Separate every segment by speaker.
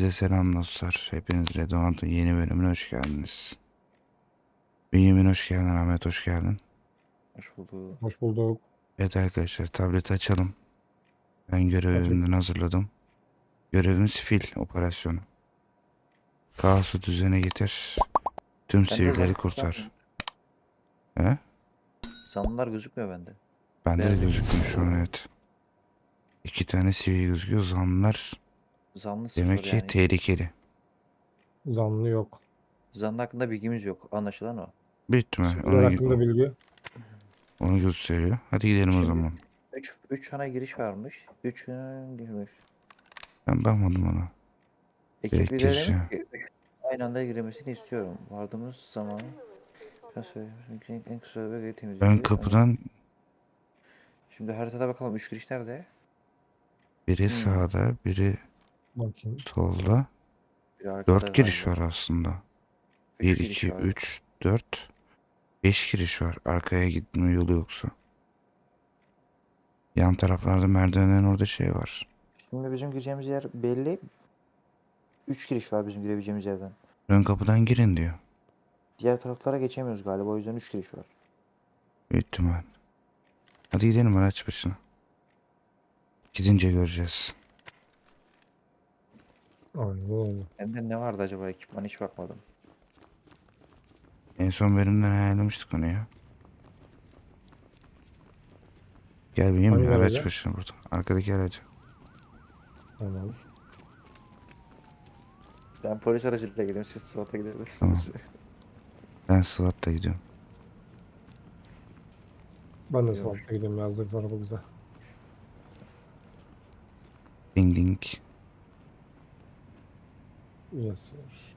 Speaker 1: Herkese selam dostlar. Hepiniz Redon'un yeni bölümüne hoş geldiniz. Bünyamin hoş geldin, Ahmet hoş geldin.
Speaker 2: Hoş bulduk.
Speaker 3: Hoş bulduk.
Speaker 1: Evet arkadaşlar, tableti açalım. Ben görevimden hazırladım. Görevimiz fil operasyonu. Kaosu düzene getir. Tüm sivilleri kurtar. He?
Speaker 2: Zanlılar gözükmüyor bende.
Speaker 1: Bende de
Speaker 2: Beyaz
Speaker 1: gözükmüyor şu an, evet. 2 tane sivil gözüküyor. Zanlılar
Speaker 2: Zanlı
Speaker 1: demek
Speaker 2: sıfır
Speaker 1: ki
Speaker 2: yani.
Speaker 1: tehlikeli.
Speaker 3: Zanlı yok.
Speaker 2: Zanlı hakkında bilgimiz yok. Anlaşılan o.
Speaker 1: Büyük ihtimal
Speaker 3: Siviller hakkında bilgi.
Speaker 1: onu gösteriyor. Hadi gidelim o
Speaker 2: Şimdi
Speaker 1: zaman.
Speaker 2: 3 ana giriş varmış. 3 girmiş.
Speaker 1: Ben bakmadım ona.
Speaker 2: Ekip
Speaker 1: Direkt
Speaker 2: lideri demiş
Speaker 1: gireceğim.
Speaker 2: ki 3 aynı anda girmesini istiyorum. Vardığımız zaman en kısa bölgeyi
Speaker 1: Ön
Speaker 2: temizleyeceğiz.
Speaker 1: kapıdan
Speaker 2: Şimdi haritada bakalım 3 giriş nerede?
Speaker 1: biri sağda, biri
Speaker 3: Bakayım.
Speaker 1: solda.
Speaker 2: Bir arkada
Speaker 1: 4 giriş var
Speaker 2: galiba.
Speaker 1: aslında.
Speaker 2: 3
Speaker 1: 1,
Speaker 2: giriş
Speaker 1: 2,
Speaker 2: var.
Speaker 1: 3, 4, 5 giriş var. Arkaya gitme yolu yoksa. Yan taraflarda merdivenlerin orada şey var.
Speaker 2: Şimdi bizim gireceğimiz yer belli. 3 giriş var bizim girebileceğimiz yerden.
Speaker 1: Ön kapıdan girin diyor.
Speaker 2: Diğer taraflara geçemiyoruz galiba. O yüzden 3 giriş var.
Speaker 1: Büyük ihtimal. Hadi gidelim araç başına. Gidince göreceğiz.
Speaker 3: Aynen öyle.
Speaker 2: Bende ne vardı acaba ekipman hiç bakmadım.
Speaker 1: En son bölümden ayarlamıştık onu ya. Gel benim
Speaker 3: Hangi
Speaker 1: araç
Speaker 3: araca?
Speaker 1: başına burada. Arkadaki araca.
Speaker 3: Tamam.
Speaker 2: Ben polis aracıyla gidiyorum. Siz SWAT'a gidebilirsiniz.
Speaker 1: Tamam. Ben SWAT'ta gidiyorum.
Speaker 3: Ben de
Speaker 2: Yok.
Speaker 3: savaşta gidiyorum. Yazdık araba güzel.
Speaker 1: Ding ding.
Speaker 3: Yes sir.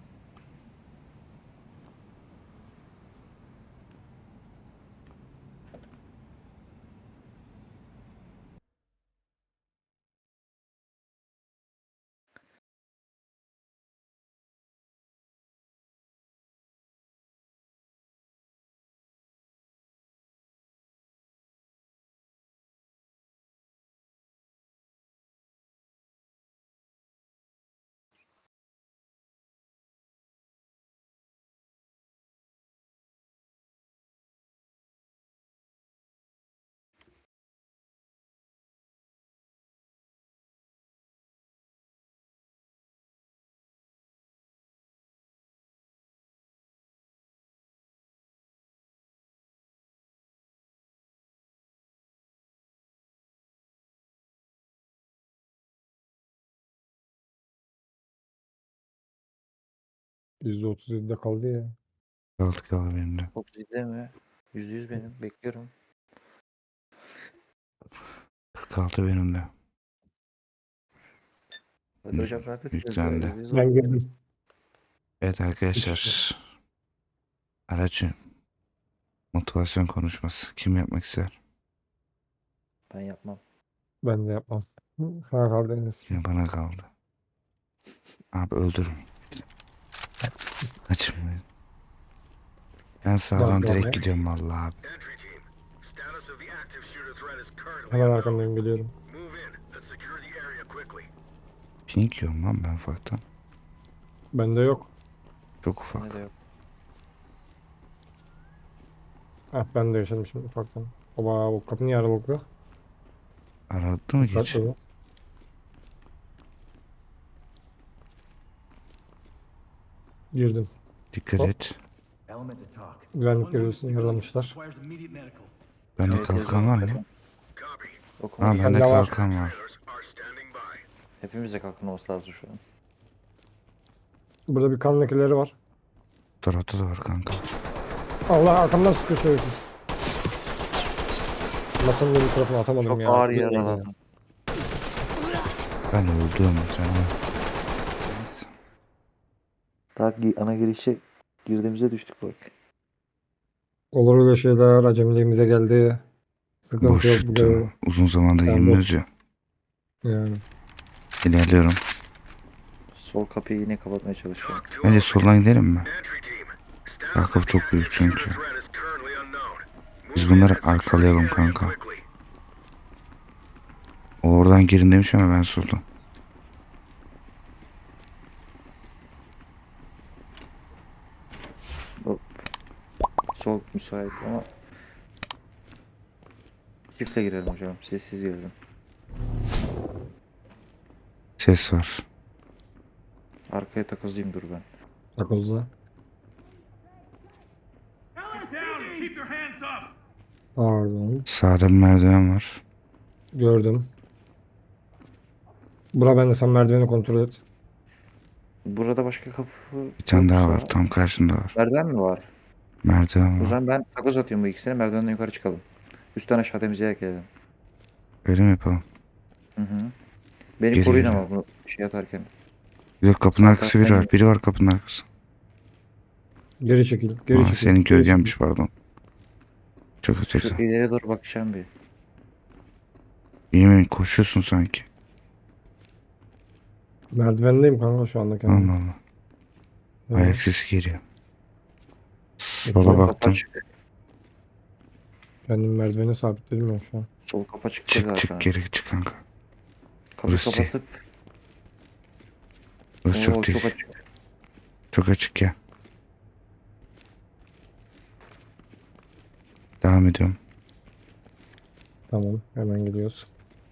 Speaker 3: %37'de kaldı ya.
Speaker 1: Kaldı kaldı benim de.
Speaker 2: 37 mi? %100 benim. Bekliyorum.
Speaker 1: 46 benim de.
Speaker 2: Hadi hocam neredesiniz ya?
Speaker 1: Yüklendi.
Speaker 2: %100
Speaker 3: Ben
Speaker 2: oldu.
Speaker 3: girdim.
Speaker 1: Evet arkadaşlar. Aracı. Motivasyon konuşması. Kim yapmak ister?
Speaker 2: Ben yapmam.
Speaker 3: Ben de yapmam. Sana kaldı Enes.
Speaker 1: Yine bana kaldı. Abi öldürün. Açmayın. Ben sağdan
Speaker 3: Tamam,
Speaker 1: direkt
Speaker 3: ya.
Speaker 1: gidiyorum vallahi abi.
Speaker 4: Entry team. Status of the active shooter threat is currently
Speaker 3: Hemen
Speaker 4: unknown.
Speaker 3: arkamdan geliyorum.
Speaker 4: Move in and secure the area quickly.
Speaker 1: Pink yiyorum lan ben ufaktan.
Speaker 3: Bende yok.
Speaker 1: Çok
Speaker 2: Ne
Speaker 1: ufak.
Speaker 2: de yok.
Speaker 3: Ah ben de yaşadım şimdi ufaktan. Oba bu kapı niye aralıklı?
Speaker 1: Aralıklı mı geç?
Speaker 3: Dikkatli ol. Girdim.
Speaker 1: Dikkat
Speaker 3: Hop.
Speaker 1: et.
Speaker 3: Güvenlik görevlisini yaralamışlar.
Speaker 1: Bende
Speaker 2: Evet,
Speaker 1: kalkan var mı?
Speaker 2: yazıyorum.
Speaker 4: Copy.
Speaker 2: Okuma
Speaker 1: Ha
Speaker 2: değil.
Speaker 1: bende
Speaker 3: Bende var.
Speaker 1: kalkan var.
Speaker 4: Trailers are standing by.
Speaker 2: Hepimize kalkın olması lazım şu an.
Speaker 3: Burada bir kan lekeleri var.
Speaker 1: Bu tarafta da var kanka.
Speaker 3: Allah arkamdan sıkıyor şerefsiz. Masanın öbür tarafına atamadım
Speaker 2: Çok
Speaker 3: ya.
Speaker 2: ağır
Speaker 3: Atıyor ya.
Speaker 2: yaraladım.
Speaker 1: Ben öldüm sen.
Speaker 2: Daha ana girişe girdiğimize düştük bak.
Speaker 3: Olur öyle şeyler. Acemiliğimize geldi. Sıkıntı
Speaker 1: Boş
Speaker 3: yok bu
Speaker 1: yuttu.
Speaker 3: görevde.
Speaker 1: Uzun zamandır
Speaker 3: Ben
Speaker 1: girmiyoruz ya.
Speaker 3: Yani.
Speaker 1: İlerliyorum.
Speaker 2: Sol kapıyı yine kapatmaya çalışıyorum.
Speaker 4: Talk to
Speaker 1: Bence
Speaker 4: all
Speaker 1: soldan gidelim mi?
Speaker 4: entry team. Status
Speaker 1: Bak,
Speaker 4: of the
Speaker 1: çok büyük
Speaker 4: active
Speaker 1: çünkü.
Speaker 4: shooter threat is currently unknown.
Speaker 1: Biz
Speaker 4: Move in
Speaker 1: bunları
Speaker 4: and secure the
Speaker 1: arkalayalım
Speaker 4: area
Speaker 1: kanka.
Speaker 4: quickly.
Speaker 1: O oradan girin demiş ama ben soldan.
Speaker 2: müsait ama çiftle girelim hocam. Sessiz girelim.
Speaker 1: Ses var.
Speaker 2: Arkaya takozlayayım dur ben.
Speaker 3: Takozla.
Speaker 4: Down and keep your hands up.
Speaker 3: Pardon.
Speaker 1: Sağda bir merdiven var.
Speaker 3: Gördüm. Bura ben de sen merdiveni kontrol et.
Speaker 2: Burada başka kapı
Speaker 1: Bir tane daha
Speaker 2: yoksa-
Speaker 1: var. Tam karşında var.
Speaker 2: Merdiven mi var?
Speaker 1: Merdiven
Speaker 2: O
Speaker 1: var.
Speaker 2: zaman ben takoz atıyorum bu ikisine. Merdivenden yukarı çıkalım. Üstten aşağı temizleyerek gelelim.
Speaker 1: Öyle mi yapalım?
Speaker 2: Hı hı. Beni
Speaker 1: Geri
Speaker 2: koruyun
Speaker 1: geri.
Speaker 2: ama bu şey atarken.
Speaker 1: Yok kapının
Speaker 2: Sağ
Speaker 1: arkası biri
Speaker 2: taraftan
Speaker 1: var. Biri var kapının arkası.
Speaker 3: Geri çekil. Geri
Speaker 1: Aa,
Speaker 3: çekil.
Speaker 1: senin
Speaker 3: geri
Speaker 1: gölgenmiş pardon. Çok
Speaker 2: Şu
Speaker 1: ötesi.
Speaker 2: ileriye doğru bakacağım bir.
Speaker 1: Yemin koşuyorsun sanki.
Speaker 3: çekil. Merdivendeyim kanka şu anda kendim.
Speaker 1: Allah Allah.
Speaker 3: Evet.
Speaker 1: Ayak sesi geliyor. Sola
Speaker 3: Sol
Speaker 2: Kapı
Speaker 1: baktım.
Speaker 2: açık.
Speaker 3: Kendim merdiveni sabitledim ya şu an.
Speaker 2: Sol kapı açık.
Speaker 1: Çık
Speaker 2: zaten.
Speaker 1: çık geri çık kanka.
Speaker 2: Kapıyı
Speaker 1: Burası şey.
Speaker 2: kapatıp.
Speaker 1: Burası
Speaker 2: Oo,
Speaker 1: çok değil.
Speaker 2: çok açık.
Speaker 1: Çok açık ya. Devam ediyorum.
Speaker 3: Tamam hemen gidiyoruz.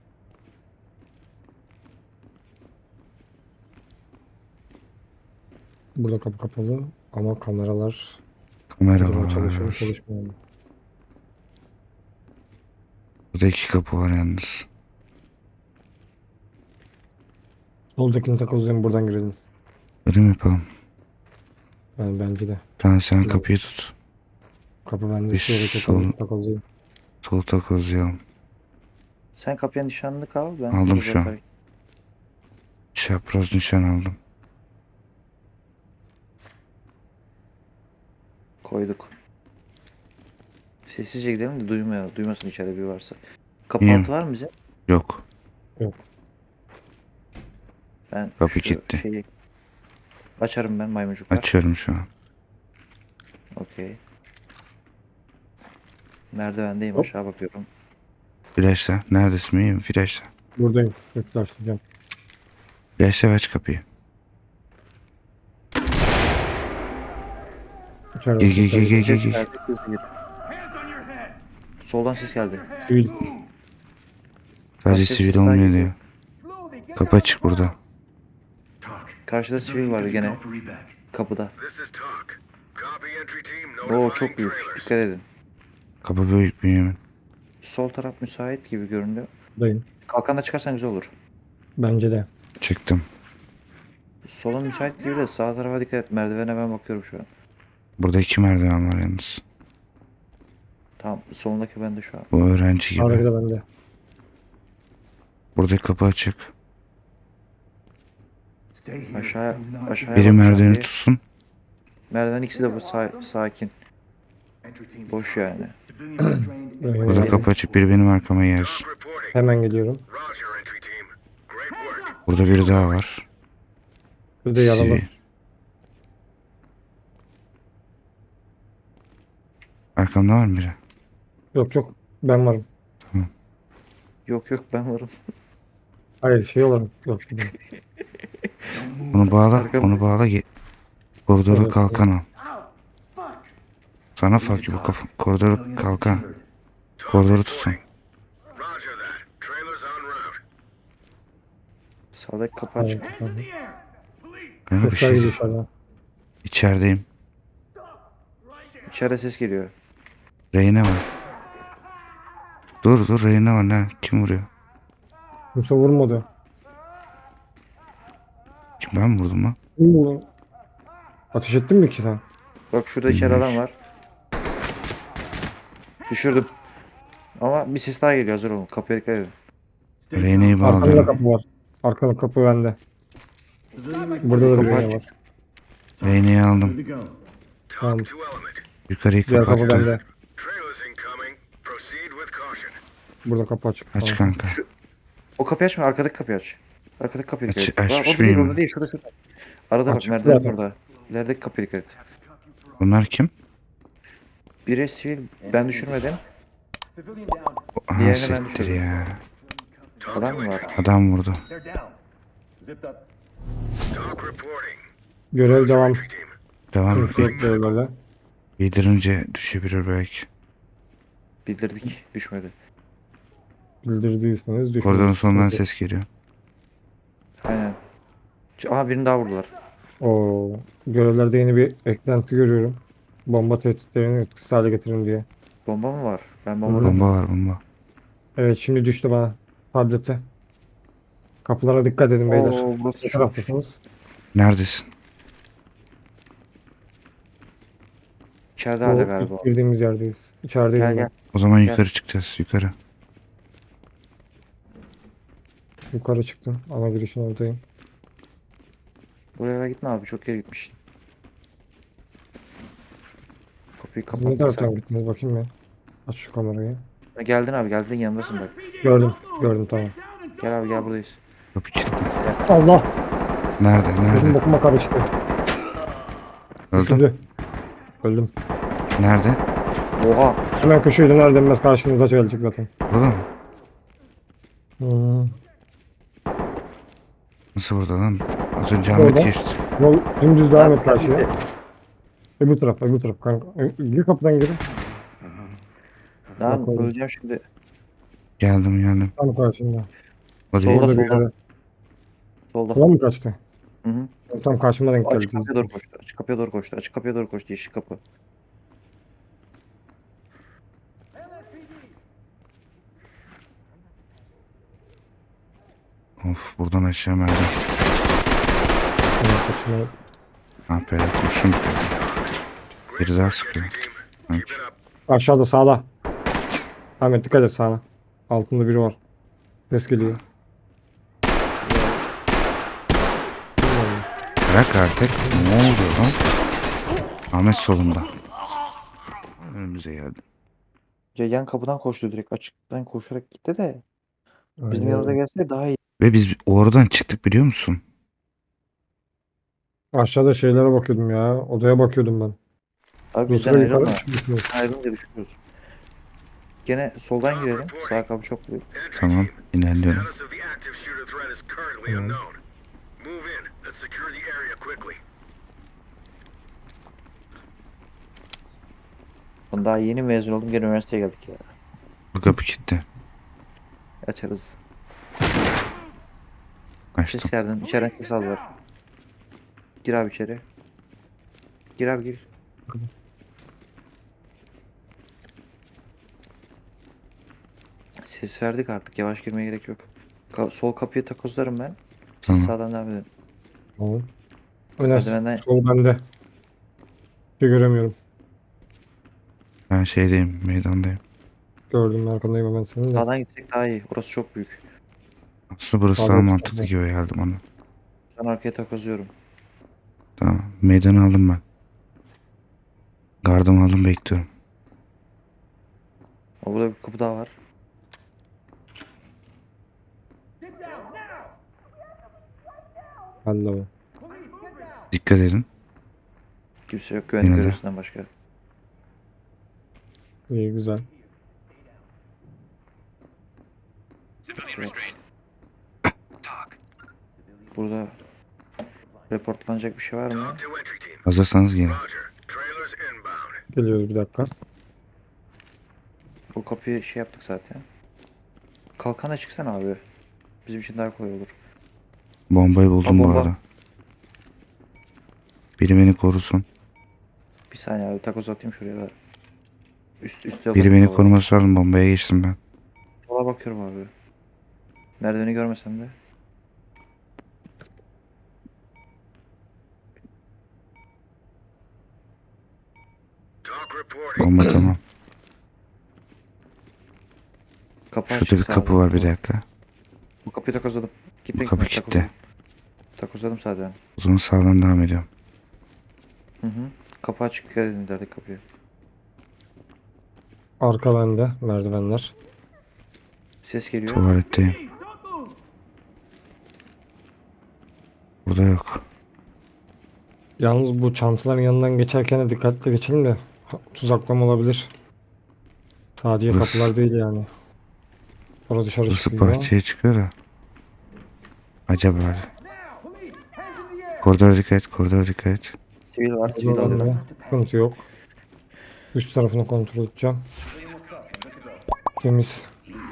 Speaker 3: Burada kapı kapalı ama kameralar
Speaker 1: Kamera
Speaker 3: acaba çalışıyor mu
Speaker 1: var.
Speaker 3: çalışmıyor mu?
Speaker 1: Burada iki kapı var yalnız.
Speaker 3: Soldakini takozlayayım buradan girelim.
Speaker 1: Öyle mi yapalım?
Speaker 3: Yani bence de.
Speaker 1: Tamam sen kapıyı tut.
Speaker 3: Kapı bende
Speaker 1: Biz
Speaker 3: soldaki
Speaker 1: sol-
Speaker 3: takozlayayım.
Speaker 1: Sol takozlayalım.
Speaker 2: Sen kapıya nişanlı kal. Ben
Speaker 1: Aldım
Speaker 2: takoz
Speaker 1: şu an.
Speaker 2: atarken-
Speaker 1: Çapraz nişan aldım.
Speaker 2: Koyduk. Sessizce gidelim de duymasın içeride bir varsa. Kapı
Speaker 1: İyiyim.
Speaker 2: altı var mı bize?
Speaker 1: Yok.
Speaker 2: Ben
Speaker 1: Kapı
Speaker 2: şu
Speaker 1: kilitli.
Speaker 2: şeyi açarım ben maymuncuklar.
Speaker 1: Açıyorum şu an.
Speaker 2: Okey. Merdivendeyim
Speaker 3: Hop.
Speaker 2: aşağı bakıyorum.
Speaker 1: Flashla. Neredesin? İyiyim. Flashla.
Speaker 3: Buradayım. Yaklaştıracağım.
Speaker 1: Flashla ve aç kapıyı.
Speaker 3: İçeride
Speaker 1: Gir, gir,
Speaker 3: sesler
Speaker 1: gir, gir,
Speaker 3: geliyor.
Speaker 1: gir, gir.
Speaker 2: Geldi, hızlı gir.
Speaker 4: Hands on your head.
Speaker 2: Soldan ses geldi.
Speaker 3: Sivil.
Speaker 1: Sadece
Speaker 2: Başka
Speaker 1: sivil
Speaker 2: sesler
Speaker 1: olmuyor
Speaker 2: geliyor.
Speaker 1: diyor. Kapı açık burada.
Speaker 2: Karşıda sivil var gene kapıda.
Speaker 4: This is talk. Copy entry team.
Speaker 2: Oo
Speaker 4: Notifying
Speaker 2: çok büyük.
Speaker 4: trailers.
Speaker 2: Dikkat edin.
Speaker 1: Kapı büyük Bünyamin.
Speaker 2: Sol taraf müsait gibi görünüyor.
Speaker 3: Buradayım.
Speaker 2: Kalkanla çıkarsan güzel olur.
Speaker 3: Bence de.
Speaker 1: Çıktım.
Speaker 2: Solun müsait gibi de sağ tarafa dikkat et. Merdivene ben bakıyorum şu an.
Speaker 1: Burada iki merdiven var yalnız.
Speaker 2: Tamam solundaki bende şu an.
Speaker 1: Bu öğrenci
Speaker 3: Sağdaki
Speaker 1: gibi.
Speaker 3: de bende.
Speaker 1: Buradaki kapı açık.
Speaker 2: Aşağıya
Speaker 1: Biri
Speaker 2: bakacağım
Speaker 1: merdiveni
Speaker 2: bir.
Speaker 1: tutsun.
Speaker 2: Merdiven ikisi de bu sakin. Boş yani.
Speaker 1: Burada kapı açık. Biri benim arkama gelsin.
Speaker 4: Talk reporting.
Speaker 3: Hemen geliyorum.
Speaker 4: Roger, entry team. Great work.
Speaker 1: Burada biri daha var.
Speaker 3: Bir de yaralı.
Speaker 1: Sivil. Arkamda var mı biri?
Speaker 3: Yok yok. Ben varım.
Speaker 2: Yok yok ben varım.
Speaker 3: Hayır şey olarak. Yok.
Speaker 1: Onu bağla.
Speaker 2: Arkam-
Speaker 1: Onu bağla. Koridora
Speaker 3: Evet,
Speaker 1: kalkan al. Sana fuck you bu kafa. Koridora kalkan. Koridoru tutsun.
Speaker 4: Roger that. Trailers en route.
Speaker 2: Sağdaki kapı
Speaker 3: Hayır.
Speaker 2: açık.
Speaker 3: tamam.
Speaker 1: Kanka bir
Speaker 3: Sesler
Speaker 1: şey.
Speaker 3: geliyor dışarıdan.
Speaker 1: İçerideyim.
Speaker 2: İçeride ses geliyor.
Speaker 1: Reyne var. Dur dur Reyne var lan. Kim vuruyor?
Speaker 3: Kimse vurmadı.
Speaker 1: Kim ben mi vurdum lan?
Speaker 3: Kim vurdu? Ateş ettin mi ki sen?
Speaker 2: Bak şurada içeri adam var. Düşürdüm. Ama bir ses daha geliyor hazır olun. Kapıya dikkat edin.
Speaker 1: Reyne'yi
Speaker 3: Arkamda
Speaker 1: bağlıyorum.
Speaker 3: kapı var. Arkamda kapı bende. Burada da bir
Speaker 2: Kapı
Speaker 3: reyne
Speaker 2: açık.
Speaker 3: var.
Speaker 1: Reyne'yi aldım.
Speaker 4: Talk
Speaker 3: Tamam.
Speaker 4: to element.
Speaker 1: Yukarıyı
Speaker 3: Diğer kapı
Speaker 1: kapattım.
Speaker 3: bende.
Speaker 4: Trailers incoming. Proceed with caution.
Speaker 3: Burada kapı açık.
Speaker 1: Aç
Speaker 3: Tamam.
Speaker 1: kanka.
Speaker 2: O kapıyı açma arkadaki kapıyı aç. Arkadaki kapıyı dikkat
Speaker 1: Aç-
Speaker 2: et.
Speaker 1: açmış
Speaker 2: O değil
Speaker 1: miyim?
Speaker 2: orada değil şurada. Arada bak
Speaker 3: Açık
Speaker 2: merdiven
Speaker 3: zaten.
Speaker 2: orada. İlerideki kapıya dikkat et.
Speaker 1: Bunlar kim?
Speaker 2: Biri sivil ben düşürmedim.
Speaker 1: Aha
Speaker 2: Diğerini ben
Speaker 1: siktir
Speaker 2: düşürdüm.
Speaker 1: ya.
Speaker 4: Talk
Speaker 2: Adam
Speaker 4: to
Speaker 2: mı var?
Speaker 4: entry team.
Speaker 1: Adam vurdu.
Speaker 4: Talk reporting.
Speaker 3: Görev devam.
Speaker 4: Entry team.
Speaker 1: Devam.
Speaker 3: Sıkıntı yok görevlerde.
Speaker 1: Bildirince düşebilir belki.
Speaker 2: Bildirdik. Düşmedi.
Speaker 3: Bildirdiyseniz
Speaker 1: Koridorun
Speaker 3: düşmeniz.
Speaker 1: sonundan ses geliyor.
Speaker 2: Aynen. Aha birini daha vurdular.
Speaker 3: O görevlerde yeni bir eklenti görüyorum. Bomba tehditlerini etkisiz hale getirin diye.
Speaker 2: Bomba mı var? Ben
Speaker 3: Hı
Speaker 2: bomba
Speaker 3: hı.
Speaker 2: görmedim.
Speaker 1: Bomba var bomba.
Speaker 3: Evet şimdi düştü bana tablete. Kapılara dikkat edin beyler.
Speaker 2: Oo burası
Speaker 3: Ne
Speaker 2: çok.
Speaker 3: taraftasınız?
Speaker 1: Neredesin?
Speaker 2: İçeride hala
Speaker 3: Bu
Speaker 2: galiba.
Speaker 3: ilk girdiğimiz yerdeyiz. İçerideyim
Speaker 2: Gel
Speaker 3: ben.
Speaker 2: gel.
Speaker 1: O zaman
Speaker 2: Gel.
Speaker 1: yukarı çıkacağız. Yukarı.
Speaker 3: Yukarı çıktım. Ana girişin oradayım.
Speaker 2: Buraya gitme abi. Çok geri gitmişsin. Kapıyı
Speaker 3: Siz ne
Speaker 2: kapattık
Speaker 3: taraftan
Speaker 2: zaten.
Speaker 3: gittiniz bakayım ben. Aç şu kamerayı.
Speaker 2: Ha, geldin abi. Geldin yanındasın bak.
Speaker 3: Gördüm. Gördüm tamam.
Speaker 2: Gel abi gel buradayız.
Speaker 1: Kapı kilitli.
Speaker 3: Allah!
Speaker 1: Nerede?
Speaker 3: Gözüm
Speaker 1: Nerede?
Speaker 3: bokuma karıştı.
Speaker 1: Öldüm.
Speaker 3: Düşürdü. Öldüm.
Speaker 1: Nerede?
Speaker 2: Oha.
Speaker 3: Hemen köşeyi döner dönmez karşınıza gelecek zaten.
Speaker 1: Burada mı?
Speaker 3: Hmm.
Speaker 1: Nasıl burada lan? Az önce Ahmet
Speaker 3: Orada.
Speaker 1: geçti.
Speaker 3: Yol dümdüz devam
Speaker 2: Abi,
Speaker 3: et karşıya.
Speaker 2: gitti.
Speaker 3: Öbür taraf, öbür taraf kanka. Bir kapıdan girin.
Speaker 2: Lan
Speaker 3: Bak oğlum.
Speaker 2: öleceğim şimdi.
Speaker 1: Geldim.
Speaker 3: Tam karşında.
Speaker 1: O değil.
Speaker 2: Solda,
Speaker 3: Orada bir
Speaker 2: solda.
Speaker 3: yerde.
Speaker 2: Solda.
Speaker 3: Sola mı kaçtı?
Speaker 2: Hı hı.
Speaker 3: Tam karşıma denk
Speaker 2: Açık
Speaker 3: geldi.
Speaker 2: kapıya doğru koştu. Açık kapıya doğru koştu. Açık kapıya doğru koştu. Yeşil kapı.
Speaker 1: Of buradan aşağı merdiven.
Speaker 3: Hemen kaçına-
Speaker 1: Ah be kurşun bitti. Biri daha sıkıyor. Sanki.
Speaker 4: Keep it up.
Speaker 3: Aşağıda sağda. Ahmet dikkat et sağına. Altında biri var. Ses geliyor. Bilmiyorum.
Speaker 1: Bırak artık. Ne oluyor lan? Ahmet solunda. Önümüze geldi.
Speaker 2: Ya yan kapıdan koştu direkt. Açıktan koşarak gitti de. Bizim
Speaker 3: Aynen.
Speaker 2: yanımıza gelse daha iyi.
Speaker 1: Ve biz oradan çıktık biliyor musun?
Speaker 3: Aşağıda şeylere bakıyordum ya. Odaya bakıyordum ben.
Speaker 2: Abi
Speaker 3: Bu
Speaker 2: bizden
Speaker 3: sıra yukarı
Speaker 2: ayrılma.
Speaker 3: çıkmışsınız.
Speaker 2: Bizden ayrılınca düşüyoruz. Gene soldan girelim. Sağ kapı çok büyük.
Speaker 4: Entry
Speaker 1: Tamam
Speaker 4: team.
Speaker 1: ilerliyorum.
Speaker 4: Status of the active shooter threat is currently
Speaker 3: Tamam.
Speaker 4: unknown. Move in. Let's secure the area quickly.
Speaker 2: Ben daha yeni mezun oldum. Gene üniversiteye geldik ya.
Speaker 1: Bu kapı kilitli.
Speaker 2: Açarız.
Speaker 1: Açtım.
Speaker 2: Ses yerden. İçeriden ses aldılar. Gir abi içeri. Gir abi gir. Ses verdik artık. Yavaş girmeye gerek yok. Sol kapıyı takozlarım ben. Siz
Speaker 1: Tamam.
Speaker 2: sağdan devam edin.
Speaker 3: Tamam. Önes,
Speaker 2: Merdivenden-
Speaker 3: sol bende. Bir göremiyorum.
Speaker 1: Ben şeydeyim meydandayım.
Speaker 3: Gördüm arkandayım hemen senin de.
Speaker 2: Sağdan gitsek daha iyi. Orası çok büyük.
Speaker 1: Aslında burası
Speaker 3: Abi,
Speaker 1: daha
Speaker 3: tamam.
Speaker 1: mantıklı gibi geldi bana.
Speaker 2: Ben arkaya takozluyorum.
Speaker 1: Tamam meydanı aldım ben. Gardımı aldım bekliyorum.
Speaker 2: O burada bir kapı daha var.
Speaker 3: Ben de o.
Speaker 1: Dikkat edin.
Speaker 2: Kimse yok güvenlik
Speaker 1: Yine de.
Speaker 2: görevlisinden başka.
Speaker 3: İyi güzel.
Speaker 2: Evet. Burada reportlanacak bir şey var mı?
Speaker 4: Talk to entry team.
Speaker 1: Hazırsanız gelin.
Speaker 4: Roger. Trailers inbound.
Speaker 3: Geliyoruz bir dakika.
Speaker 2: O kapıyı şey yaptık zaten. Kalkana çıksana abi. Bizim için daha kolay olur.
Speaker 1: Bombayı buldum bu
Speaker 2: bomba.
Speaker 1: arada. Biri beni korusun.
Speaker 2: Bir saniye abi takoz atayım şuraya da. Üstte
Speaker 1: Biri beni koruması lazım. Bombaya geçtim ben.
Speaker 2: Sola bakıyorum abi. Merdiveni görmesem de.
Speaker 4: Talk reporting.
Speaker 1: Bomba tamam.
Speaker 2: Kapı
Speaker 1: Şurada bir
Speaker 2: açık
Speaker 1: kapı
Speaker 2: sağda.
Speaker 1: var bir dakika.
Speaker 2: Bu kapıyı takozladım. Gitme
Speaker 1: Bu kapı
Speaker 2: gitme,
Speaker 1: kilitli.
Speaker 2: takozladım zaten.
Speaker 1: O zaman sağdan devam ediyorum.
Speaker 2: Hı hı. Kapı açık dikkat edin derdik kapıya.
Speaker 3: Arka bende. Merdivenler.
Speaker 2: Ses geliyor.
Speaker 1: Tuvaletteyim. Burada yok.
Speaker 3: Yalnız bu çantaların yanından geçerken de dikkatli geçelim de tuzaklama olabilir. Sadece
Speaker 1: Burası-
Speaker 3: kapılar değil yani. Orada dışarı
Speaker 1: Burası
Speaker 3: çıkıyor.
Speaker 1: bahçeye çıkıyor da. Acaba. Koridora dikkat et. Koridora dikkat et.
Speaker 2: Sivil var. Sivil
Speaker 3: Oradan
Speaker 2: alıyorum.
Speaker 3: da sıkıntı yok. Üst tarafını kontrol edeceğim. Temiz.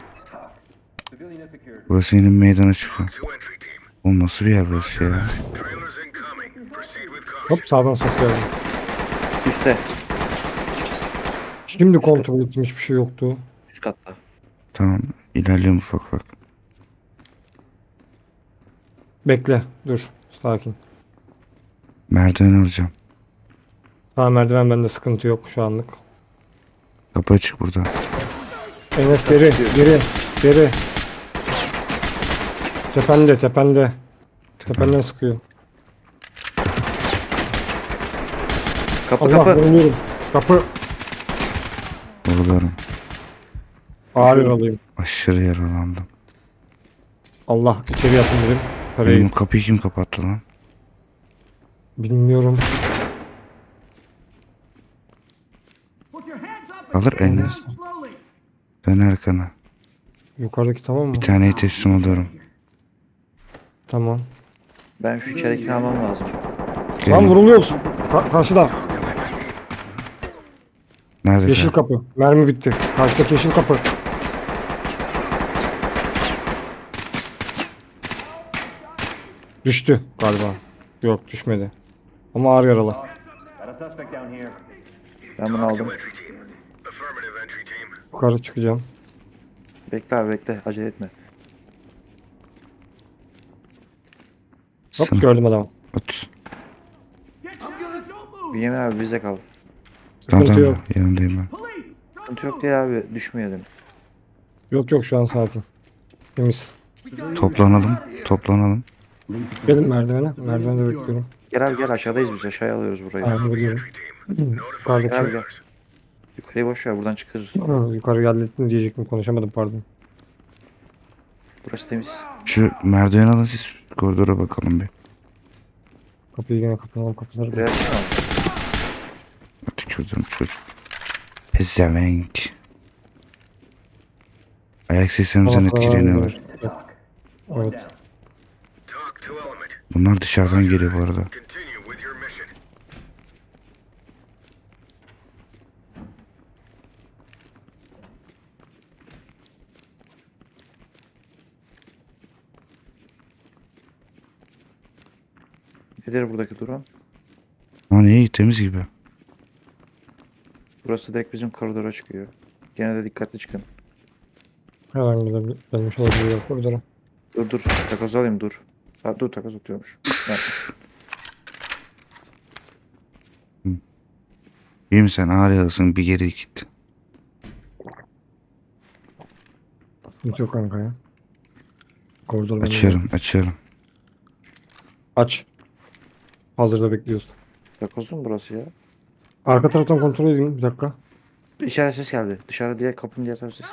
Speaker 1: Burası yeni bir meydana çıkıyor.
Speaker 4: To entry team.
Speaker 1: Oğlum nasıl bir yer burası ya?
Speaker 4: Trailers incoming. Proceed with caution.
Speaker 3: Hop sağdan ses geldi.
Speaker 2: Üste.
Speaker 3: Şimdi kontrol ettim, hiçbir şey yoktu.
Speaker 2: Üst katta.
Speaker 1: Tamam ilerliyorum ufak ufak.
Speaker 3: Bekle, dur, sakin.
Speaker 1: Merdiven alacağım.
Speaker 3: Tamam, merdiven bende, sıkıntı yok şu anlık.
Speaker 1: Kapı açık burada.
Speaker 3: Enes geri, geri, geri. Tepende, tepende. Tependen sıkıyor.
Speaker 2: Kapı
Speaker 3: Allah,
Speaker 2: kapı.
Speaker 3: vuruluyorum. Kapı.
Speaker 1: Vuruluyorum.
Speaker 3: Ağır yaralıyım.
Speaker 1: Aşırı yaralandım.
Speaker 3: Allah, içeri yatın dedim.
Speaker 1: Benim
Speaker 3: Parayı
Speaker 1: kapıyı kim kapattı lan?
Speaker 3: bilmiyorum.
Speaker 1: Alır Enes. Dön arkana.
Speaker 3: Yukarıdaki tamam mı?
Speaker 1: Bir taneyi teslim alıyorum.
Speaker 3: Tamam.
Speaker 2: Ben şu içeridekini almam lazım.
Speaker 3: Lan
Speaker 1: Gelin.
Speaker 3: vuruluyoruz. Karşıda.
Speaker 1: Nerede?
Speaker 3: Yeşil kapı. Mermi bitti. Karşıdaki yeşil kapı. Düştü galiba. Yok, düşmedi. Ama ağır yaralı.
Speaker 2: Ben bunu
Speaker 4: To
Speaker 2: aldım.
Speaker 4: entry team. Affirmative entry team.
Speaker 3: Yukarı çıkacağım.
Speaker 2: Bekle abi bekle. Acele etme.
Speaker 3: Hop,
Speaker 1: Sınıf.
Speaker 3: gördüm adamı.
Speaker 1: Otur.
Speaker 2: Bünyamin abi bize kal.
Speaker 1: Tamam
Speaker 3: Sıkıntı yok.
Speaker 1: tamam yanındayım ben.
Speaker 2: Sıkıntı yok diye abi düşmeyelim.
Speaker 3: Yok yok, şu an sakin. Temiz.
Speaker 1: Toplanalım. Toplanalım.
Speaker 3: Gelin merdivene. Merdivende bekliyorum.
Speaker 2: Gel abi gel aşağıdayız biz. Aşağıya alıyoruz burayı.
Speaker 3: Aynen biliyorum. Yukarıdaki.
Speaker 2: Gel gel. Yukarıya boş ver buradan çıkarız.
Speaker 3: Yukarı geldin diyecektim, konuşamadım, pardon.
Speaker 2: Burası temiz.
Speaker 1: Şu merdiven alın siz koridora bakalım bir.
Speaker 3: Kapıyı yine kapatalım, kapıları da.
Speaker 2: Buraya açma.
Speaker 1: Tükürdüm çocuk. Pezevenk. Ayak seslerimizden etkileniyorlar.
Speaker 3: Evet.
Speaker 4: Talk to element.
Speaker 1: Bunlar dışarıdan geliyor bu arada.
Speaker 4: Continue with your mission.
Speaker 2: Nedir buradaki durum?
Speaker 1: Lan iyi temiz gibi.
Speaker 2: Burası direkt bizim koridora çıkıyor. Gene de dikkatli çıkın.
Speaker 3: Herhangi bir gelmiş olabilir koridora.
Speaker 2: Dur dur. Takoz alayım dur. Ha, dur takoz atıyormuş. Ha,
Speaker 1: İyi misin? Ağır yaralısın bir geri git.
Speaker 3: Hiç yok kanka ya. Koridor bende.
Speaker 1: Açıyorum açıyorum.
Speaker 3: Aç. Hazırda bekliyoruz.
Speaker 2: takoz mu burası ya?
Speaker 3: Arka taraftan kontrol edeyim bir dakika.
Speaker 2: İçeri ses geldi. Dışarı diye kapının diğer tarafı ses.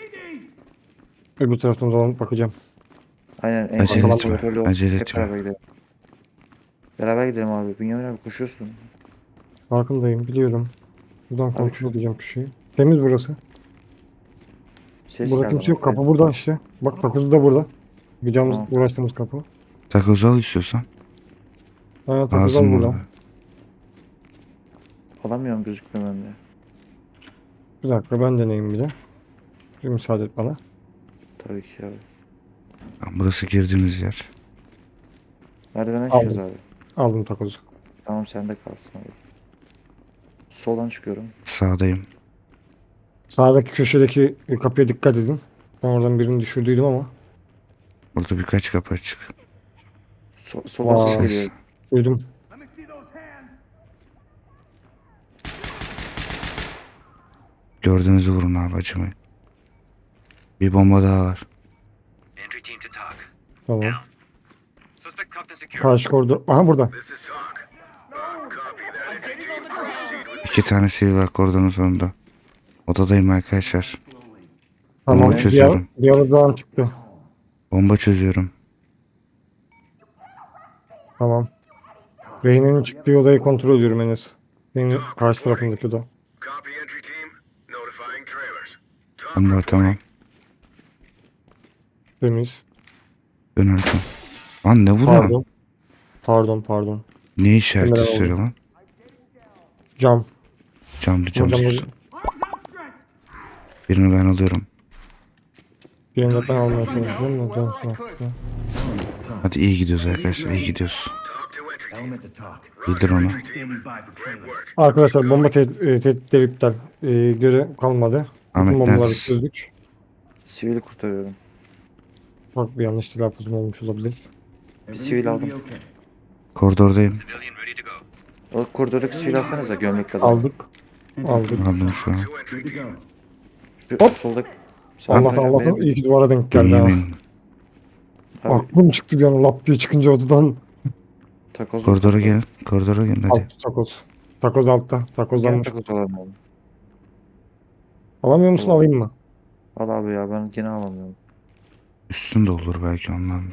Speaker 3: Öbür taraftan dolanıp bakacağım.
Speaker 2: Aynen en
Speaker 1: Acele
Speaker 2: son
Speaker 1: etme,
Speaker 2: kontrolü o.
Speaker 1: acele
Speaker 2: Hep
Speaker 1: etme.
Speaker 2: beraber gidelim. Beraber gidelim abi. Bünyamin abi koşuyorsun.
Speaker 3: Farkındayım, biliyorum. Buradan kontrol edeceğim bir şeyi. Temiz burası.
Speaker 2: Ses
Speaker 3: Burada
Speaker 2: geldi
Speaker 3: kimse yok.
Speaker 2: ama.
Speaker 3: Kapı burada işte. Bak, takozu da burada. Gideceğimiz,
Speaker 2: Tamam.
Speaker 3: uğraştığımız kapı.
Speaker 1: Takoz al istiyorsan.
Speaker 3: Ha, takoz al
Speaker 1: Ağzım
Speaker 3: burada.
Speaker 1: burada.
Speaker 2: Alamıyorum gözükmüyor bende.
Speaker 3: Bir dakika, ben deneyeyim bir de. Bir müsaade et bana.
Speaker 2: Tabii ki abi.
Speaker 1: Lan burası girdiğimiz yer.
Speaker 2: Merdivene çıkacağız
Speaker 3: Aldım.
Speaker 2: abi.
Speaker 3: Aldım takozu.
Speaker 2: Tamam sende kalsın abi. Soldan çıkıyorum.
Speaker 1: Sağdayım.
Speaker 3: Sağdaki köşedeki kapıya dikkat edin. Ben oradan birini düşürdüydüm ama.
Speaker 1: Burada birkaç kapı açık.
Speaker 2: Soldan ses
Speaker 3: Vay.
Speaker 2: geliyor.
Speaker 3: Duydum.
Speaker 1: Gördüğünüzü vurun abi acımayın. Bir bomba daha var.
Speaker 5: Entry team to talk.
Speaker 3: Tamam.
Speaker 5: Suspect cuffed and secured.
Speaker 3: Karşı koridor. Aha, burada.
Speaker 4: This is talk. Copy that. Entry team. Proceed with
Speaker 1: İki tane sivil var koridorun sonunda. Odadayım arkadaşlar.
Speaker 3: Tamam.
Speaker 1: Bomba çözüyorum.
Speaker 3: Bir aradan çıktı.
Speaker 1: Bomba çözüyorum.
Speaker 3: Tamam. Reyne'nin çıktığı odayı kontrol ediyorum Enes. Senin karşı tarafındaki oda.
Speaker 4: copy entry team. Notifying trailers. Talk
Speaker 1: Bomba
Speaker 4: reporting.
Speaker 1: tamam.
Speaker 3: Temiz.
Speaker 1: Dön arkam. Lan ne vuruyor?
Speaker 3: Pardon. Pardon.
Speaker 1: Ne işaret
Speaker 3: Kamera
Speaker 1: istiyor lan?
Speaker 3: Cam.
Speaker 1: Camlı cam
Speaker 3: Hocam
Speaker 1: çıksın. Birini ben alıyorum.
Speaker 3: birini ben almaya çalışıyorum da can sağ olsun.
Speaker 1: Hadi iyi gidiyoruz arkadaşlar. İyi gidiyoruz.
Speaker 4: Talk to entry team.
Speaker 6: Element to talk.
Speaker 1: Bildir onu.
Speaker 6: Standing by for
Speaker 4: Great
Speaker 6: payload.
Speaker 4: work.
Speaker 3: Arkadaşlar bomba tehditleri iptal. Göre kalmadı.
Speaker 1: Ahmet
Speaker 3: Bütün bombaları
Speaker 1: neredesin?
Speaker 3: çözdük.
Speaker 2: Sivili kurtarıyorum.
Speaker 3: Bak bir yanlış telaffuzum olmuş olabilir.
Speaker 2: sivil
Speaker 6: Everything's
Speaker 2: aldım.
Speaker 6: gonna be okay.
Speaker 1: Koridordayım.
Speaker 5: Civilian ready to go.
Speaker 2: O koridordaki sivil alsanıza gömlekli adam.
Speaker 3: Aldık. Aldık.
Speaker 1: Aldım şu an.
Speaker 4: To
Speaker 6: Good
Speaker 4: entry
Speaker 6: to
Speaker 4: team.
Speaker 6: go.
Speaker 2: Şu soldaki.
Speaker 3: Allah'tan Allah'tan iyi ki duvara denk geldi ha.
Speaker 1: Yemin.
Speaker 2: Abi,
Speaker 3: Aklım çıktı bir an lap diye çıkınca odadan.
Speaker 2: takoz.
Speaker 1: Koridora gelin. Koridora gelin hadi.
Speaker 3: Alt takoz. Takoz altta. Takozlanmış.
Speaker 2: Takoz alalım abi.
Speaker 3: Alamıyor musun
Speaker 2: Tamam.
Speaker 3: alayım mı?
Speaker 2: Al abi ya ben gene alamıyorum.
Speaker 1: Üstünde olur belki ondan da.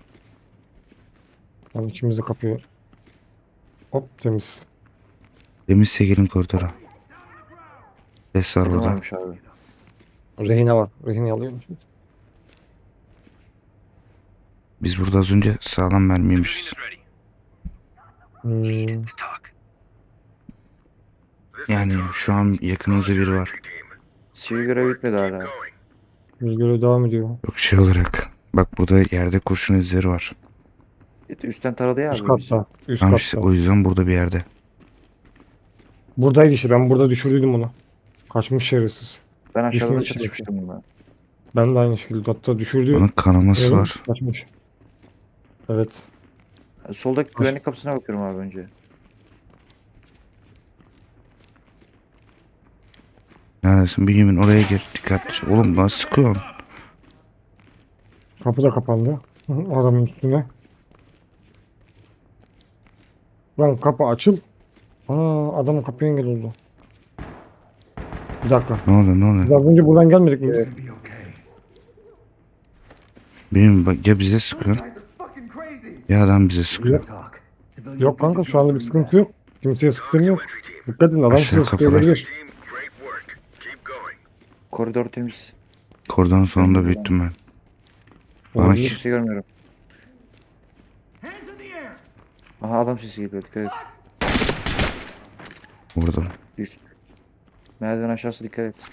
Speaker 3: Tam ikimizi kapıyor. Hop temiz.
Speaker 1: Temizse gelin koridora. Ses var
Speaker 2: Ne
Speaker 1: burada.
Speaker 2: varmış abi?
Speaker 3: Rehine var. Rehine alıyor musun?
Speaker 1: Biz burada az önce sağlam mermiymişiz.
Speaker 5: Civilian is ready
Speaker 3: Hmm.
Speaker 5: to talk.
Speaker 4: This is
Speaker 1: Yani
Speaker 4: talk.
Speaker 1: şu an yakınımızda biri var.
Speaker 4: Entry team.
Speaker 2: Sivil görev bitmedi hala.
Speaker 4: Going.
Speaker 3: Biz görev devam ediyor.
Speaker 1: Yok şey olarak. Bak burada yerde kurşun izleri var.
Speaker 2: Üstten taradı ya
Speaker 3: Üst
Speaker 2: abi bizi.
Speaker 3: katta. Üst
Speaker 1: Tamam
Speaker 3: katta.
Speaker 1: işte o yüzden burada bir yerde.
Speaker 3: Buradaydı işte. Ben burada düşürdüydüm onu. Kaçmış şerefsiz.
Speaker 2: Ben aşağıda
Speaker 3: Düşmemiş
Speaker 2: çatışmıştım bununla.
Speaker 3: Ben de aynı şekilde. Hatta düşürdü.
Speaker 1: Onun kanaması
Speaker 3: Evet,
Speaker 1: var.
Speaker 3: Kaçmış. Evet.
Speaker 2: Soldaki güvenlik kapısına bakıyorum abi önce.
Speaker 1: Neredesin? Bir yemin oraya gir. Dikkatli. Oğlum bana sıkıyorsun.
Speaker 3: Kapı da kapandı. Hı hı, adamın üstüne. Lan kapı açıl. Aa adamın kapıya engel oldu. Bir dakika.
Speaker 1: Ne oluyor ne oluyor?
Speaker 3: Biraz önce buradan gelmedik mi?
Speaker 6: It's gonna be okay.
Speaker 1: Benim bak ya bize sıkıyor
Speaker 6: Guys are fucking crazy.
Speaker 1: ya adam bize sıkıyor.
Speaker 6: Talk. Civilian
Speaker 3: Yok kanka şu anda bir sıkıntı yok. Kimseye sıktığım yok.
Speaker 4: Entry team.
Speaker 3: Dikkat edin adam
Speaker 1: Aşağı
Speaker 3: size sıkıyor
Speaker 1: kapıda.
Speaker 3: olabilir.
Speaker 4: Team, great work. Keep going.
Speaker 2: Koridor temiz.
Speaker 1: Koridorun sonunda büyüttüm ben. Bana
Speaker 3: Olabilir.
Speaker 2: Hiçbir şey görmüyorum. Aha adam sesi geliyor dikkat et.
Speaker 1: vurdum.
Speaker 2: Düştü. Merdiven aşağısı dikkat et.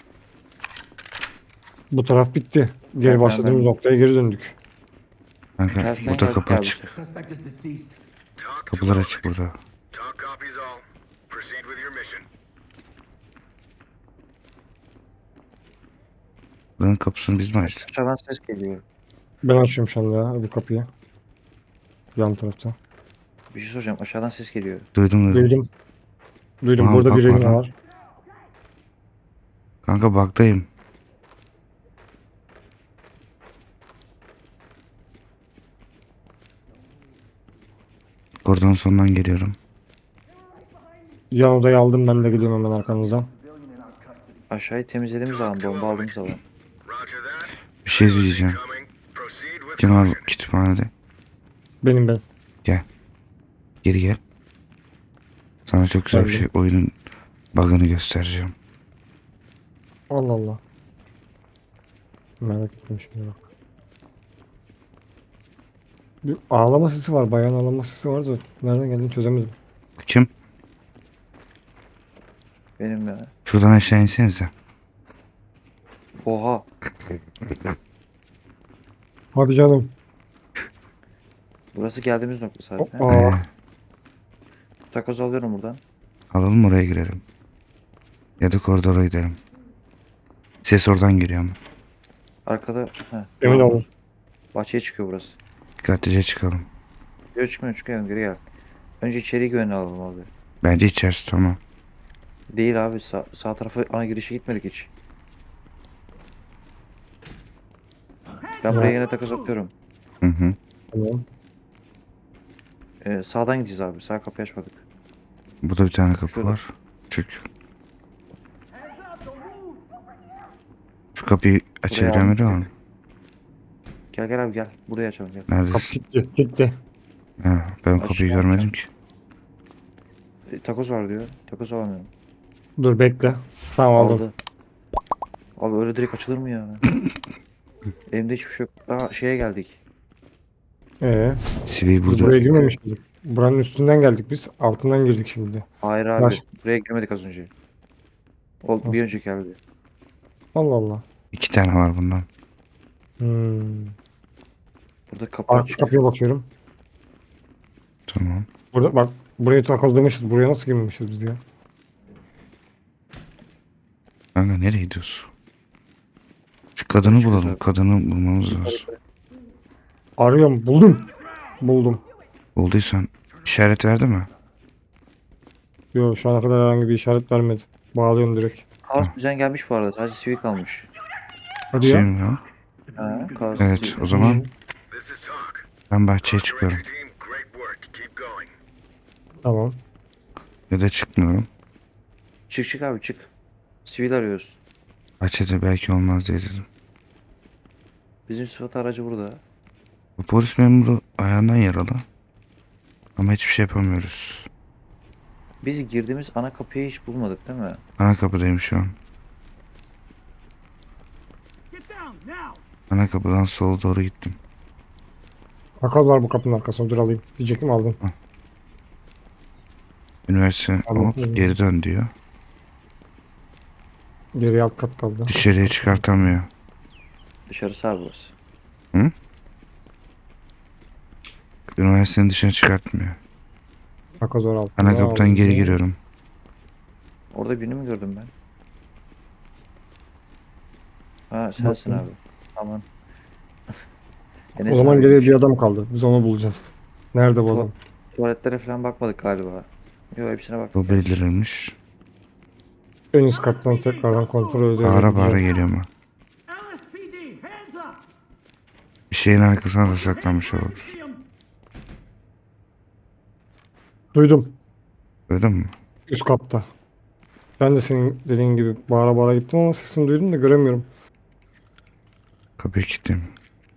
Speaker 3: Bu taraf bitti. Geri
Speaker 2: Ben-
Speaker 3: başladığımız
Speaker 2: ben-
Speaker 3: noktaya geri döndük.
Speaker 1: Kanka
Speaker 2: Tersten
Speaker 1: burada
Speaker 2: geldik
Speaker 1: kapı
Speaker 2: abi.
Speaker 1: açık.
Speaker 6: Suspect is deceased.
Speaker 4: Talk to
Speaker 1: Kapılar
Speaker 4: all
Speaker 1: açık
Speaker 4: entry
Speaker 1: burada.
Speaker 4: team. Talk copies all. Proceed with your mission.
Speaker 1: Buranın kapısını biz mi açtık?
Speaker 2: Aşağıdan ses geliyor.
Speaker 3: Ben açıyorum şu anda ya bu kapıyı. Yan tarafta.
Speaker 2: Bir şey soracağım. Aşağıdan ses geliyor.
Speaker 1: Duydum.
Speaker 3: Duydum. Duydum
Speaker 1: Tamam,
Speaker 3: burada bir
Speaker 1: bakma
Speaker 3: rehine
Speaker 1: lan.
Speaker 3: var.
Speaker 1: Kanka baktayım. Koridorun sonundan geliyorum.
Speaker 3: Yan odayı aldım ben de geliyorum hemen arkanızdan.
Speaker 2: Aşağıyı temizlediğimiz alan, bomba aldığımız alan.
Speaker 4: Roger that.
Speaker 1: Bir şey diyeceğim.
Speaker 4: Coming. Proceed with
Speaker 1: Kim var
Speaker 4: caution.
Speaker 1: kütüphanede?
Speaker 3: Benim ben.
Speaker 1: Geri gel. Sana çok güzel bir
Speaker 3: Geldim.
Speaker 1: şey oyunun bug'ını göstereceğim.
Speaker 3: Allah Allah. Merak ettim şimdi bak. Bir ağlama sesi var. Bayan ağlama sesi var da nereden geldiğini çözemedim.
Speaker 1: Kim?
Speaker 2: Benim ya.
Speaker 1: Şuradan aşağı insenize.
Speaker 2: Oha.
Speaker 3: Hadi canım.
Speaker 2: Burası geldiğimiz nokta zaten.
Speaker 3: Hoppa.
Speaker 2: Takoz alıyorum buradan.
Speaker 1: Alalım oraya girelim. Ya da koridora gidelim. Ses oradan geliyor ama.
Speaker 2: Arkada. Heh.
Speaker 3: Emin olun.
Speaker 2: Bahçeye çıkıyor burası.
Speaker 1: Dikkatlice çıkalım.
Speaker 2: Yok çıkmıyor geri gel. Önce içeri güvenli alalım abi.
Speaker 1: Bence içerisi tamam.
Speaker 2: Değil abi sağ tarafa ana girişe gitmedik hiç. Ben buraya yine takoz atıyorum.
Speaker 1: Hı hı.
Speaker 3: Tamam.
Speaker 2: Sağdan gideceğiz abi. Sağ kapıyı açmadık.
Speaker 1: Burada bir tane kapı
Speaker 2: Şurada.
Speaker 1: var. Çık. Şu kapıyı açabilen biri var mı?
Speaker 2: Gel abi gel. Buraya açalım gel.
Speaker 3: Kapı
Speaker 1: Neredesin?
Speaker 3: kilitli. Kilitli.
Speaker 1: Ha, ben o kapıyı
Speaker 2: Aşağı
Speaker 1: görmedim ki.
Speaker 2: Takoz var diyor. Takoz alamıyorum.
Speaker 3: Dur bekle. Tamam aldım.
Speaker 2: Aldı. Abi öyle direkt açılır mı ya? Elimde hiçbir şey yok. Aa şeye geldik.
Speaker 1: Sivil
Speaker 3: Biz
Speaker 1: burada.
Speaker 3: buraya girmemiş miydik? Buranın üstünden geldik biz. Altından girdik şimdi.
Speaker 2: Hayır abi.
Speaker 3: Baş-
Speaker 2: Buraya girmedik az önce. O bir önceki geldi.
Speaker 3: Allah Allah.
Speaker 1: 2 tane var bundan.
Speaker 3: Hmm.
Speaker 2: Burada kapı
Speaker 3: Arka
Speaker 2: açık.
Speaker 3: kapıya bakıyorum.
Speaker 1: Tamam.
Speaker 3: Burada bak, buraya takıldırmışız. Buraya nasıl girmemişiz biz ya?
Speaker 1: Kanka nereye gidiyorsun? Şu kadını bulalım.
Speaker 2: Çıkacak.
Speaker 1: Kadını bulmamız lazım.
Speaker 3: Arıyorum. Buldum. Buldum.
Speaker 1: Bulduysan işaret verdi mi?
Speaker 3: Yok, şu ana kadar herhangi bir işaret vermedi. Bağlıyorum direkt.
Speaker 2: Kaos düzen gelmiş bu arada. Sadece sivil kalmış.
Speaker 3: Hadi
Speaker 1: Şey
Speaker 3: ya.
Speaker 1: mi ya?
Speaker 2: Ha, kaos
Speaker 1: Evet
Speaker 2: sivil.
Speaker 1: o zaman
Speaker 4: This is talk.
Speaker 1: ben bahçeye çıkıyorum.
Speaker 4: Team, great work. Keep going.
Speaker 3: Tamam.
Speaker 1: Ya da çıkmıyorum.
Speaker 2: Çık abi çık. Sivil arıyoruz.
Speaker 1: Bahçede belki olmaz diye dedim.
Speaker 2: Bizim sıfat aracı burada.
Speaker 1: Bu polis memuru ayağından yaralı. Ama hiçbir şey yapamıyoruz.
Speaker 2: Biz girdiğimiz ana kapıyı hiç bulmadık değil mi?
Speaker 1: Ana kapıdayım şu an. Ana kapıdan sola doğru gittim.
Speaker 3: Takoz var bu kapının arkasında. Dur alayım. Diyecektim, aldım.
Speaker 1: Üniversite
Speaker 3: Anladım.
Speaker 1: hop geri dön diyor.
Speaker 3: Geriye alt kat kaldı.
Speaker 1: Dışarıya çıkartamıyor.
Speaker 2: Dışarısı abi burası.
Speaker 1: Üniversitenin dışına çıkartmıyor.
Speaker 3: Takoz var altında.
Speaker 1: Ana kapıdan
Speaker 3: aldım.
Speaker 1: geri giriyorum.
Speaker 2: Orada birini mi gördüm ben? Ha sensin
Speaker 3: Bakın.
Speaker 2: abi. Aman.
Speaker 3: O zaman geriye bir adam kaldı. Biz onu bulacağız. Nerede bu adam?
Speaker 2: Tuvaletlere falan bakmadık galiba. Yok hepsine baktık.
Speaker 1: Bu bildirilmiş.
Speaker 3: En üst kattan tekrardan kontrol ediyorum.
Speaker 1: Bağıra bağıra geliyor mu? Bir şeyin arkasına da saklanmış olabilir.
Speaker 3: Duydum.
Speaker 1: Duydun mu?
Speaker 3: Üst katta. Ben de senin dediğin gibi bağıra bağıra gittim ama sesini duydum da göremiyorum.
Speaker 1: Kapıyı kilitleyeyim.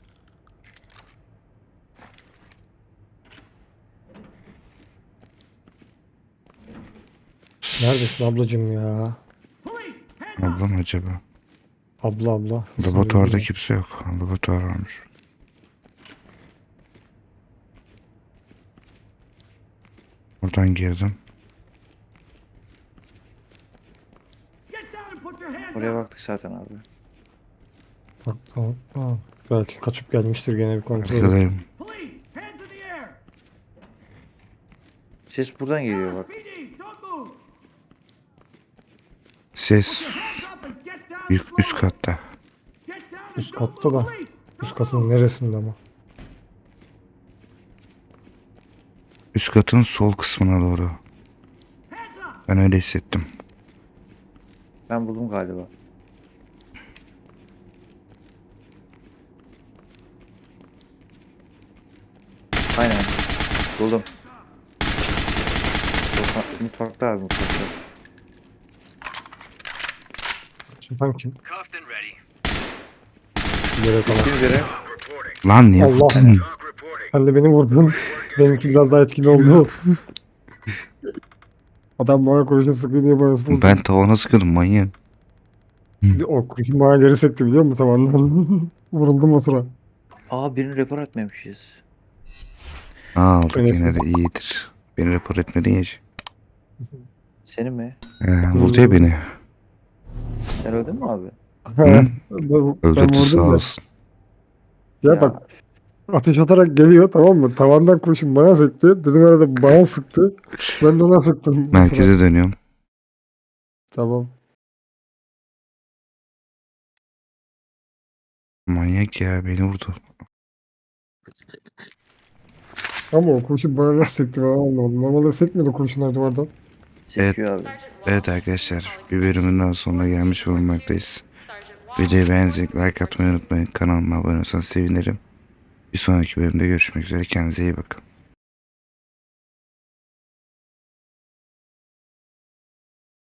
Speaker 3: Neredesin ablacığım ya?
Speaker 1: Ablam acaba?
Speaker 3: Abla. Sesini
Speaker 1: Laboratuvarda
Speaker 3: duydum.
Speaker 1: kimse yok. Laboratuvar varmış. Oradan girdim.
Speaker 2: Oraya baktık zaten abi.
Speaker 3: Bak, tamam. Belki kaçıp gelmiştir, gene bir kontrol edeyim.
Speaker 1: Arkadayım.
Speaker 2: Ses buradan geliyor bak.
Speaker 1: Ses üst katta.
Speaker 3: Üst katta da. Üst katın neresinde ama?
Speaker 1: Üst katın sol kısmına doğru. Ben öyle hissettim.
Speaker 2: Ben buldum galiba. Aynen. Buldum. Mutfakta abi mutfakta.
Speaker 3: Çatan kim?
Speaker 5: Cuffed and ready.
Speaker 3: Yere kalan.
Speaker 2: Bir göre
Speaker 4: Reporting.
Speaker 1: Lan niye
Speaker 3: Allah.
Speaker 1: vurdun?
Speaker 4: Talk reporting.
Speaker 3: Sen de beni vurdun. Benimki biraz daha etkili oldu. Adam bana kurşun sıkıyor diye bana vurdu.
Speaker 1: Ben tavana sıkıyordum manyak.
Speaker 3: O kurşun bana geri sekti biliyor musun tavandan? Vuruldum o sıra.
Speaker 2: aa birini rapor etmemişiz.
Speaker 1: Aldık
Speaker 3: Öyleyse.
Speaker 1: yine de iyidir. Beni rapor etmedin ya.
Speaker 2: Senin mi?
Speaker 1: Vurdu ya beni.
Speaker 2: Sen öldün mü abi?
Speaker 3: Ben
Speaker 1: Öldürdü sağ
Speaker 3: vurdum da.
Speaker 1: olsun.
Speaker 3: Ya bak, ateş atarak geliyor, tamam mı? Tavandan kurşun bana sekti. Dedim herhalde bana sıktı. Ben de ona sıktım. bu sıra.
Speaker 1: Merkeze dönüyorum.
Speaker 3: Tamam.
Speaker 1: Manyak ya beni vurdu.
Speaker 3: Ama o kurşun bana nasıl sekti ben anlamadım. Normalde sekmiyordu kurşunlar duvardan.
Speaker 2: Sekiyor abi.
Speaker 1: Evet arkadaşlar bir bölümün daha sonuna gelmiş bulunmaktayız. Videoyu beğendiyseniz like atmayı unutmayın. Kanalıma abone olursanız sevinirim. Bir sonraki bölümde görüşmek üzere. Kendinize iyi bakın.